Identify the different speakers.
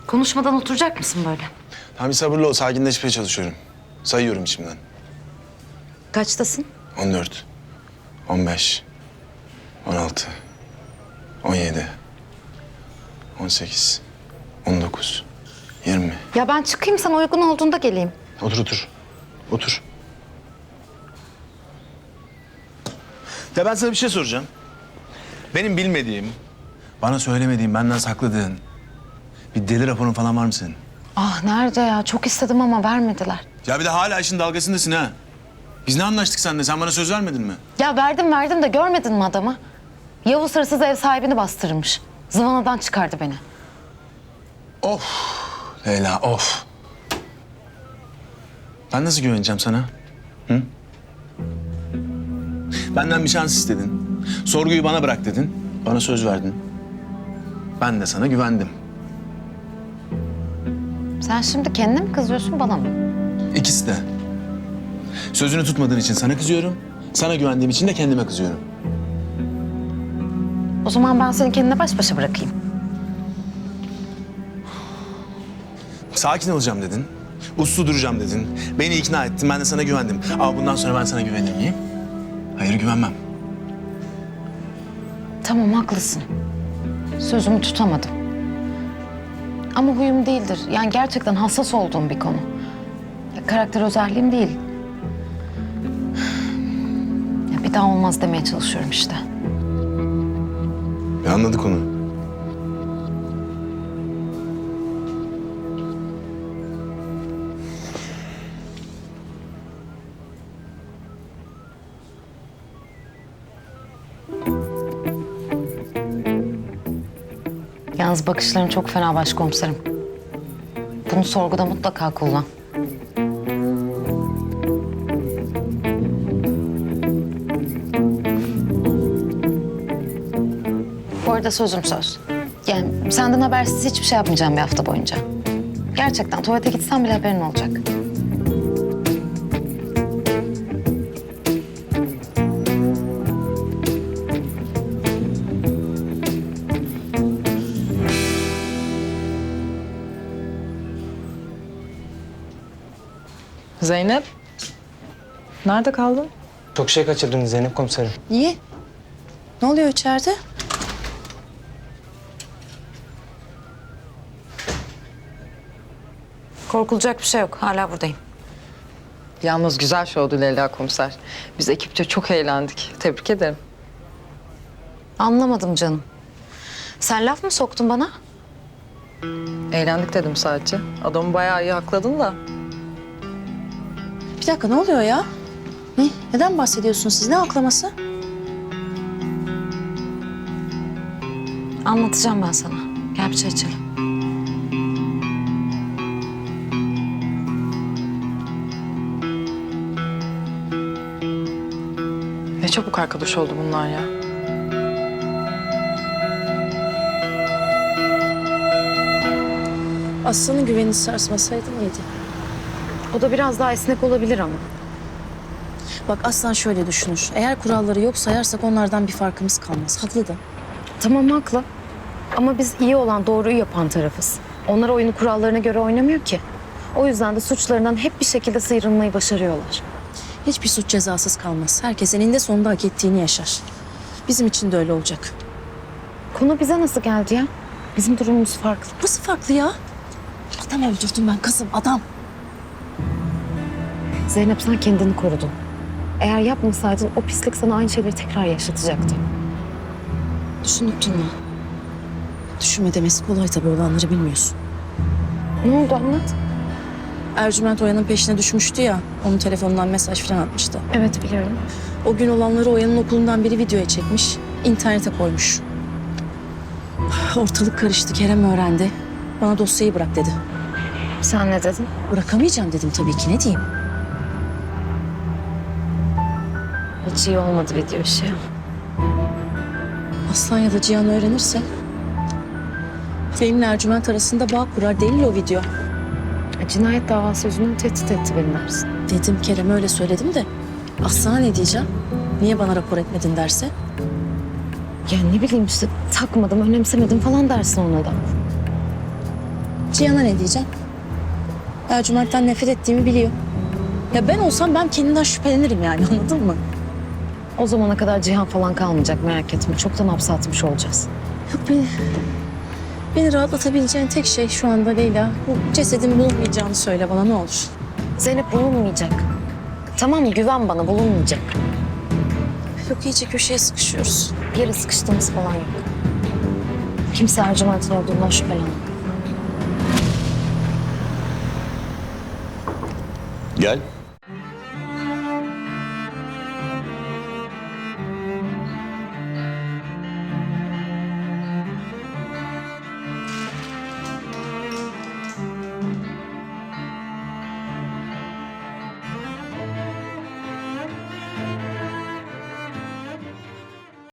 Speaker 1: Konuşmadan oturacak mısın böyle?
Speaker 2: Tamam, bir sabırlı ol. Sakinleşmeye çalışıyorum. Sayıyorum içimden.
Speaker 1: Kaçtasın?
Speaker 2: 14, 15, 16, 17, 18, 19, 20.
Speaker 1: Ya ben çıkayım, sana uygun olduğunda geleyim.
Speaker 2: Otur, otur. Otur. Ya ben sana bir şey soracağım. Benim bilmediğim, bana söylemediğin, benden sakladığın bir deli raporun falan var mı senin?
Speaker 1: Ah nerede ya? Çok istedim ama vermediler.
Speaker 2: Ya bir de hala işin dalgasındasın ha. Biz ne anlaştık seninle? Sen bana söz vermedin mi?
Speaker 1: Ya verdim de görmedin mi adamı? Yavuz hırsız ev sahibini bastırmış. Zıvanadan çıkardı beni.
Speaker 2: Of Leyla, of. Ben nasıl güveneceğim sana? Hı? Benden bir şans istedin. Sorguyu bana bırak dedin. Bana söz verdin. Ben de sana güvendim.
Speaker 1: Sen şimdi kendine mi kızıyorsun, bana mı?
Speaker 2: İkisi de. Sözünü tutmadığın için sana kızıyorum. Sana güvendiğim için de kendime kızıyorum.
Speaker 1: O zaman ben seni kendine baş başa bırakayım.
Speaker 2: Sakin olacağım dedin. Uslu duracağım dedin. Beni ikna ettin. Ben de sana güvendim. Ama bundan sonra ben sana güvenir miyim? Hayır, güvenmem.
Speaker 1: Tamam, haklısın. Sözümü tutamadım. Ama huyum değildir. Yani gerçekten hassas olduğum bir konu. Ya, karakter özelliğim değil. Ya, bir daha olmaz demeye çalışıyorum işte.
Speaker 2: Ya anladık onu.
Speaker 1: Yalnız bakışların çok fena başkomiserim. Bunu sorguda mutlaka kullan. Bu arada sözüm söz. Yani senden habersiz hiçbir şey yapmayacağım bir hafta boyunca. Gerçekten tuvalete gitsem bile haberin olacak.
Speaker 3: Zeynep, nerede kaldın?
Speaker 4: Çok şey kaçırdın Zeynep komiserim.
Speaker 5: Niye? Ne oluyor içeride?
Speaker 1: Korkulacak bir şey yok. Hala buradayım.
Speaker 3: Yalnız güzel şovdu Leyla komiser. Biz ekipçe çok eğlendik. Tebrik ederim.
Speaker 1: Anlamadım canım. Sen laf mı soktun bana?
Speaker 3: Eğlendik dedim sadece. Adamı bayağı iyi hakladın da.
Speaker 5: Bir dakika, ne oluyor ya? Ne? Neden bahsediyorsunuz siz? Ne aklaması?
Speaker 1: Anlatacağım ben sana. Gel bir çay içelim.
Speaker 3: Ne çabuk arkadaş oldu bunlar ya.
Speaker 5: Aslanın güvenini sarsmasaydı mıydı?
Speaker 1: O da biraz daha esnek olabilir ama.
Speaker 5: Bak Aslan şöyle düşünür. Eğer kuralları yok sayarsak onlardan bir farkımız kalmaz. Haklı da.
Speaker 1: Tamam, haklı. Ama biz iyi olan, doğruyu yapan tarafız. Onlar oyunu kurallarına göre oynamıyor ki. O yüzden de suçlarından hep bir şekilde sıyrılmayı başarıyorlar.
Speaker 5: Hiçbir suç cezasız kalmaz. Herkes eninde sonunda hak ettiğini yaşar. Bizim için de öyle olacak.
Speaker 1: Konu bize nasıl geldi ya? Bizim durumumuz farklı.
Speaker 5: Nasıl farklı ya? Adam öldürdüm ben kızım, adam.
Speaker 1: Zeynep, sen kendini korudun. Eğer yapmasaydın o pislik sana aynı şeyleri tekrar yaşatacaktı.
Speaker 5: Düşünüp durma. Düşünme demesi kolay tabii, olanları bilmiyorsun.
Speaker 1: Ne oldu, anlat.
Speaker 5: Ercüment Oya'nın peşine düşmüştü ya. Onun telefonundan mesaj falan atmıştı.
Speaker 1: Evet, biliyorum.
Speaker 5: O gün olanları Oya'nın okulundan biri videoya çekmiş. İnternete koymuş. Ortalık karıştı. Kerem öğrendi. Bana dosyayı bırak dedi.
Speaker 1: Sen ne dedin?
Speaker 5: Bırakamayacağım dedim tabii ki. Ne diyeyim?
Speaker 1: Hiç iyi olmadı video işi.
Speaker 5: Aslan ya da Cihan öğrenirse... benimle Ercüment arasında bağ kurar. Delil o video.
Speaker 1: Cinayet davası yüzünden tehdit etti beni dersin.
Speaker 5: Dedim Kerem'e öyle söyledim de... Aslan'a ne diyeceğim? Niye bana rapor etmedin derse?
Speaker 1: Ya ne bileyim işte, takmadım, önemsemedim falan dersin ona da.
Speaker 5: Cihan'a ne diyeceğim? Ercüment'ten nefret ettiğimi biliyor. Ya ben olsam ben kendimden şüphelenirim yani, anladın mı?
Speaker 1: O zamana kadar Cihan falan kalmayacak, merak etme. Çoktan hapse atmış olacağız.
Speaker 5: Yok beni rahatlatabileceğin tek şey şu anda Leyla. Bu cesedin bulunmayacağını söyle bana, ne olur.
Speaker 1: Zeynep bulunmayacak. Tamam mı? Güven bana, bulunmayacak.
Speaker 5: Yok, iyice köşeye sıkışıyoruz.
Speaker 1: Bir yere sıkıştığımız falan yok. Kimse Ercüment'in olduğundan şüphelenmiyor.
Speaker 6: Gel.